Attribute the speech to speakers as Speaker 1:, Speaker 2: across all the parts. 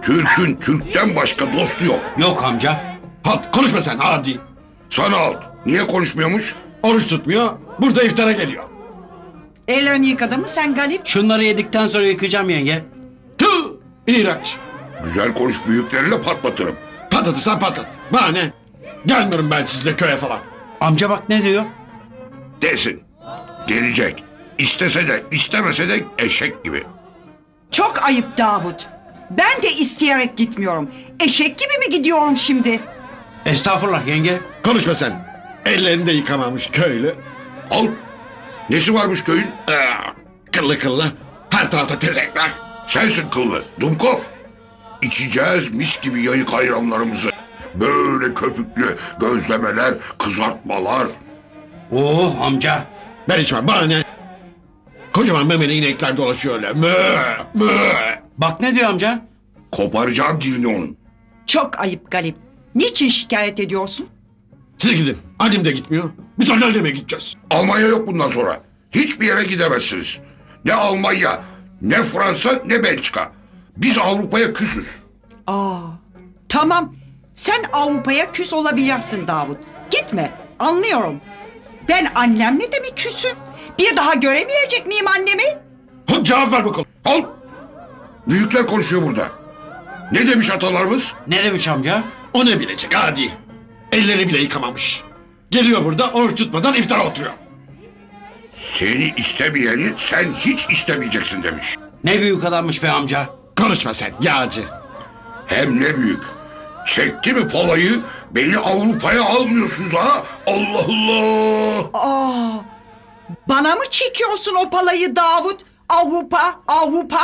Speaker 1: Türk'ün Türk'ten başka dostu yok.
Speaker 2: Yok amca.
Speaker 3: Halt konuşma sen adi.
Speaker 1: Sana al. Niye konuşmuyormuş?
Speaker 3: Oruç tutmuyor. Burada iftara geliyor.
Speaker 4: Ellerini yıkadın mı sen Galip?
Speaker 2: Şunları yedikten sonra yıkayacağım yenge.
Speaker 3: Tüh! İğrenç.
Speaker 1: Güzel konuş, büyüklerine patlatırım.
Speaker 3: Patlatırsan patlat. Bana ne? Gelmiyorum ben sizle köye falan.
Speaker 2: Amca bak ne diyor?
Speaker 1: Desin. Gelecek. İstese de istemese de eşek gibi.
Speaker 4: Çok ayıp Davut. Ben de isteyerek gitmiyorum. Eşek gibi mi gidiyorum şimdi?
Speaker 2: Estağfurullah yenge.
Speaker 3: Konuşma sen. Ellerini de yıkamamış köylü.
Speaker 1: Al. Nesi varmış köyün?
Speaker 3: Kıllı kıllı. Her tarafta tezekler.
Speaker 1: Sensin kıllı. Dumkov. İçeceğiz mis gibi yayık ayranlarımızı. Böyle köpüklü gözlemeler, kızartmalar.
Speaker 2: Oo amca.
Speaker 3: Ben içmem. Bana ne? Kocaman memeli inekler dolaşıyor öyle. Mö, mö.
Speaker 2: Bak ne diyor amca?
Speaker 1: Koparacağım dilini onun.
Speaker 4: Çok ayıp Galip. Niçin şikayet ediyorsun?
Speaker 3: Siz gidin. Annem de gitmiyor. Biz anneanneme gideceğiz.
Speaker 1: Almanya yok bundan sonra. Hiçbir yere gidemezsiniz. Ne Almanya, ne Fransa, ne Belçika. Biz Avrupa'ya küsüz.
Speaker 4: Tamam. Sen Avrupa'ya küs olabilirsin Davut. Gitme. Anlıyorum. Ben annemle de mi küsüm? Bir daha göremeyecek miyim annemi?
Speaker 3: Hadi cevap ver bakalım.
Speaker 1: Al. Büyükler konuşuyor burada. Ne demiş atalarımız?
Speaker 2: Ne demiş amca?
Speaker 3: O ne bilecek adi. Ellerini bile yıkamamış. Geliyor burada oruç tutmadan iftara oturuyor.
Speaker 1: Seni istemeyeni sen hiç istemeyeceksin demiş.
Speaker 2: Ne büyük adammış be amca.
Speaker 3: Konuşma sen yağcı.
Speaker 1: Hem ne büyük. Çekti mi palayı beni Avrupa'ya almıyorsunuz ha? Allah Allah.
Speaker 4: Bana mı çekiyorsun o palayı Davut? Avrupa, Avrupa.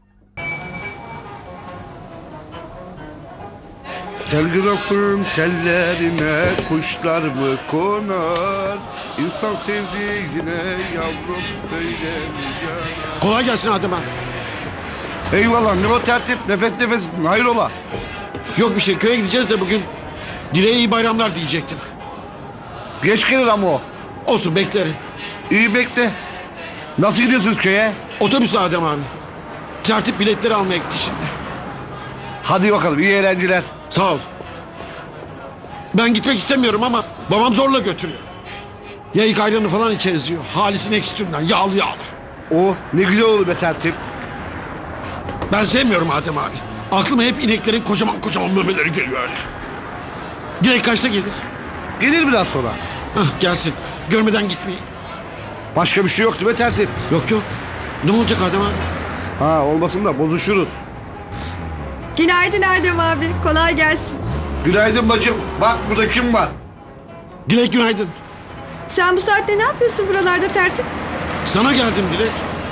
Speaker 5: Telgrafın tellerine kuşlar mı konar? İnsan sevdiğine yavrum böyle mi yanar?
Speaker 3: Kolay gelsin Adem abi.
Speaker 5: Eyvallah ne o tertip nefes nefes hayrola?
Speaker 3: Yok bir şey köye gideceğiz de bugün. Dileğe iyi bayramlar diyecektim.
Speaker 5: Geç gelir ama o.
Speaker 3: Olsun beklerim.
Speaker 5: İyi bekle. Nasıl gidiyorsunuz köye?
Speaker 3: Otobüsle Adem abi. Tertip biletleri almaya gitti şimdi.
Speaker 5: Hadi bakalım iyi eğlenceler.
Speaker 3: Sağ ol. Ben gitmek istemiyorum ama babam zorla götürüyor. Yayık ayranı falan içeriz diyor. Halis'in ekstüründen yağlı yağlı.
Speaker 5: O ne güzel olur be tertip.
Speaker 3: Ben sevmiyorum Adem abi. Aklıma hep ineklerin kocaman kocaman memeleri geliyor öyle. Dilek kaçta gelir?
Speaker 5: Gelir biraz sonra.
Speaker 3: Hah gelsin. Görmeden gitmeyin.
Speaker 5: Başka bir şey yoktu be tertip.
Speaker 3: Yok yok. Ne olacak Adem abi?
Speaker 5: Ha olmasın da bozuşuruz.
Speaker 6: Günaydın Erdem abi. Kolay gelsin.
Speaker 5: Günaydın bacım. Bak burada kim var?
Speaker 3: Dilek günaydın.
Speaker 6: Sen bu saatte ne yapıyorsun buralarda tertip?
Speaker 3: Sana geldim Dilek.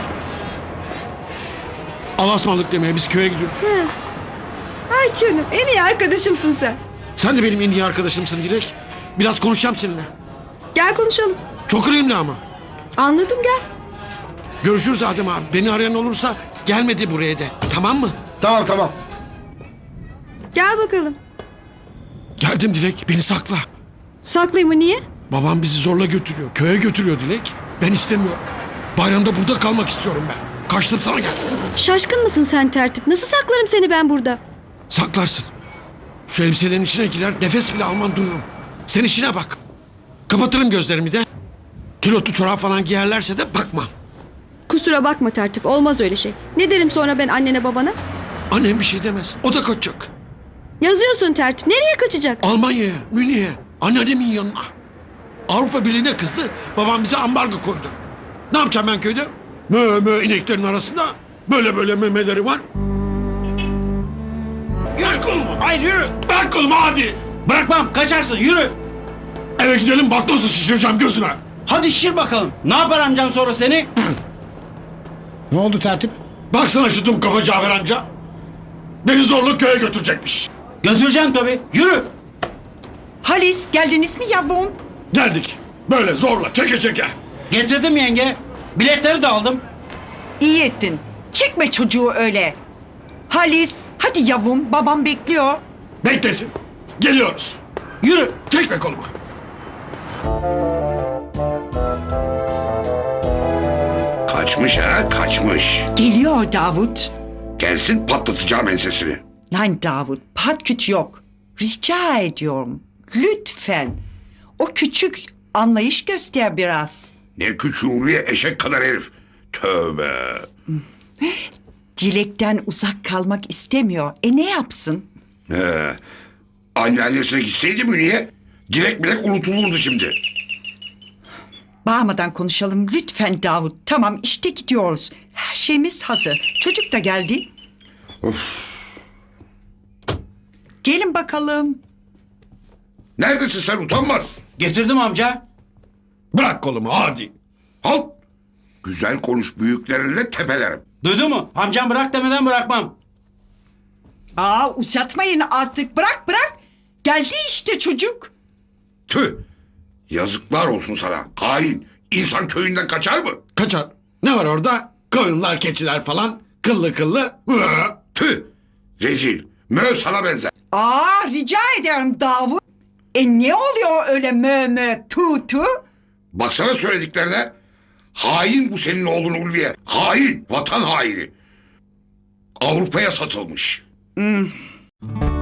Speaker 3: Alasmalık demeye biz köye gidiyoruz.
Speaker 6: Ay canım en iyi arkadaşımsın sen.
Speaker 3: Sen de benim en iyi arkadaşımsın Dilek. Biraz konuşacağım seninle.
Speaker 6: Gel konuşalım.
Speaker 3: Çok önemli ama.
Speaker 6: Anladım gel.
Speaker 3: Görüşürüz Adem abi. Beni arayan olursa gelmedi buraya de. Tamam mı?
Speaker 5: Tamam tamam.
Speaker 6: Gel bakalım.
Speaker 3: Geldim Dilek. Beni sakla.
Speaker 6: Saklayayım mı niye?
Speaker 3: Babam bizi zorla götürüyor. Köye götürüyor Dilek. Ben istemiyorum. Bayramda burada kalmak istiyorum ben. Kaçtım sana gel.
Speaker 6: Şaşkın mısın sen tertip? Nasıl saklarım seni ben burada?
Speaker 3: Saklarsın. Şu elbiselerin içine girer nefes bile alman dururum. Sen işine bak. Kapatırım gözlerimi de. Kilotlu çorap falan giyerlerse de bakmam.
Speaker 6: Kusura bakma tertip olmaz öyle şey. Ne derim sonra ben annene babana?
Speaker 3: Annem bir şey demez. O da kaçacak.
Speaker 6: Yazıyorsun tertip nereye kaçacak?
Speaker 3: Almanya'ya, Münih'e, anneannemin yanına. Avrupa Birliği'ne kızdı. Babam bize ambargo koydu. Ne yapacağım ben köyde? Mö ineklerin arasında böyle böyle memeleri var. Bırak kolumu.
Speaker 2: Hayır yürü.
Speaker 3: Bırak kolumu hadi.
Speaker 2: Bırakmam kaçarsın yürü.
Speaker 3: Eve gidelim bak nasıl şişireceğim gözüne.
Speaker 2: Hadi şişir bakalım. Ne yapar amcam sonra seni?
Speaker 3: Ne oldu tertip? Baksana şu dum kafa Cafer amca. Beni zorla köye götürecekmiş.
Speaker 2: Götüreceğim tabii. Yürü.
Speaker 4: Halis geldiniz mi yavrum?
Speaker 3: Geldik. Böyle zorla çeke çeke.
Speaker 2: Getirdim yenge. Biletleri de aldım.
Speaker 4: İyi ettin. Çekme çocuğu öyle. Halis hadi yavrum babam bekliyor.
Speaker 3: Beklesin. Geliyoruz.
Speaker 2: Yürü.
Speaker 3: Çekme kolumu.
Speaker 1: Kaçmış ha kaçmış.
Speaker 4: Geliyor Davut.
Speaker 1: Gelsin patlatacağım ensesini.
Speaker 4: Lan Davut, patküt yok. Rica ediyorum. Lütfen. O küçük anlayış göster biraz.
Speaker 1: Ne küçüğü eşek kadar herif. Tövbe.
Speaker 4: Dilekten uzak kalmak istemiyor. Ne yapsın?
Speaker 1: Anneannesine gitseydi Münih'e Dilek bilek unutulurdu şimdi.
Speaker 4: Bağırmadan konuşalım lütfen Davut. Tamam işte gidiyoruz. Her şeyimiz hazır. Çocuk da geldi. Gelin bakalım.
Speaker 1: Neredesin sen utanmaz?
Speaker 2: Getirdim amca.
Speaker 3: Bırak kolumu hadi.
Speaker 1: Halt. Güzel konuş büyüklerinle tepelerim.
Speaker 2: Duydun mu? Amcam bırak demeden bırakmam.
Speaker 4: Uzatmayın artık. Bırak. Geldi işte çocuk.
Speaker 1: Tüh. Yazıklar olsun sana. Hain. İnsan köyünden kaçar mı?
Speaker 3: Kaçar. Ne var orada? Koyunlar, keçiler falan. Kıllı kıllı.
Speaker 1: Tüh. Rezil. Mö sana benzer.
Speaker 4: Rica ederim Davut. Ne oluyor öyle mö tu?
Speaker 1: Baksana söylediklerine. Hain bu senin oğlun Ulviye. Hain. Vatan haini. Avrupa'ya satılmış.